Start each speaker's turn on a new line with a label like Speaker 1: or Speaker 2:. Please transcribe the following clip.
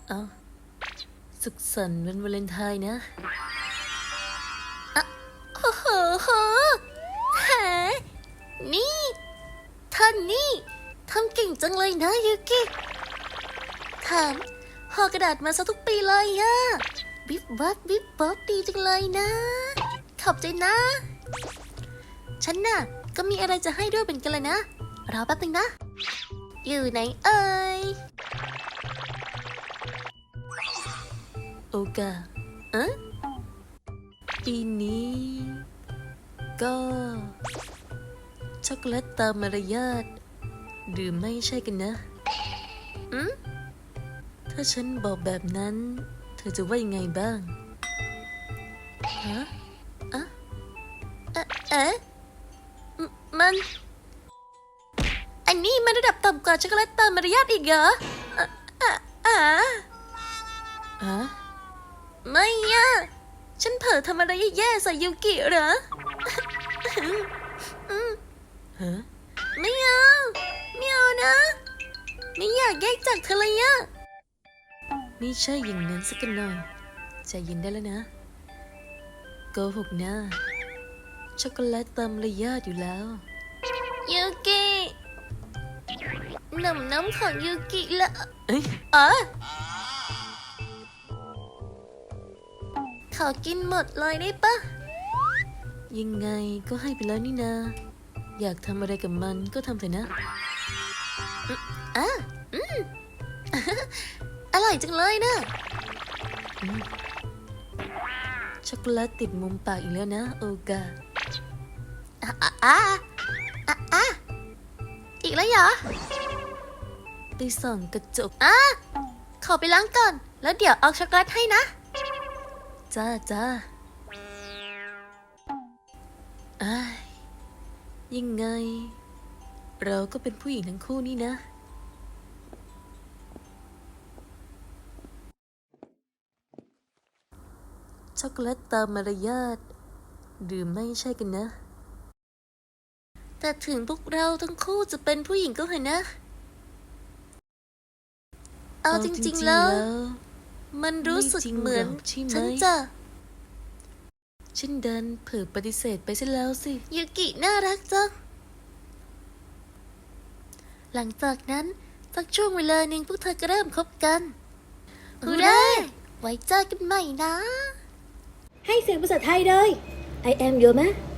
Speaker 1: เอาสุขสันต์วันวาเลนไทน์นะอะโอ้โหแหนี่ท่านนี่ทำเก่งจังเลยนะยูกิถามห่อกระดาษมาซะทุกปีเลยอะบิ๊บวับบิ๊บบ๊อบดีจังเลยนะขอบใจนะฉันน่ะก็มีอะไรจะให้ด้วยเป็นกันเลยนะรอแป๊บนึงนะอยู่ไหนเอ่ยโอกาปีนี้ก็ช็อกโกแลตตามมารยาทหรือไม่ใช่กันนะถ้าฉันบอกแบบนั้นเธอจะว่ายังไงบ้างฮะมันอันนี้มันระดับต่ำกว่าช็อกโกแลตตามมารยาทอีกเหรอไม่อะฉันเผลอทำอะไรแย่ๆใส่ยูกิเหรอไม่เอานะไม่อยากแยกจากเธอเลยอะไม่ใช่อย่างนั้นสักหน่อยใจเย็นได้แล้วนะโกหกนะช็อกโกแลตตามมารยาทอยู่แล้วยูกิน้ำของยูกิละขอกินหมดเลยได้ปะยังไงก็ให้ไปแล้วนี่นาอยากทำอะไรกับมันก็ทำเถอะนะอร่อยจังเลยนะช็อกโกแลตติดมุมปากอีกแล้วนะโอกาอีกแล้วเหรอไปส่องกระจกขอไปล้างก่อนแล้วเดี๋ยวเอาช็อกโกแลตให้นะจ้ายังไงเราก็เป็นผู้หญิงทั้งคู่นี่นะช็อกโกแลตตามมารยาทหรือไม่ใช่กันนะแต่ถึงพวกเราทั้งคู่จะเป็นผู้หญิงก็เถอะนะเอาจริงๆแล้วมันรู้สึกเหมือนฉันดันเผลอปฏิเสธไปซะแล้วสิยูกิน่ารักจังหลังจากนั้นสักช่วงเวลาหนึ่งพวกเธอก็เริ่มคบกันฮูเร่ไว้เจอกันใหม่นะ
Speaker 2: ให้เสียงภาษาไทยเลย I am your man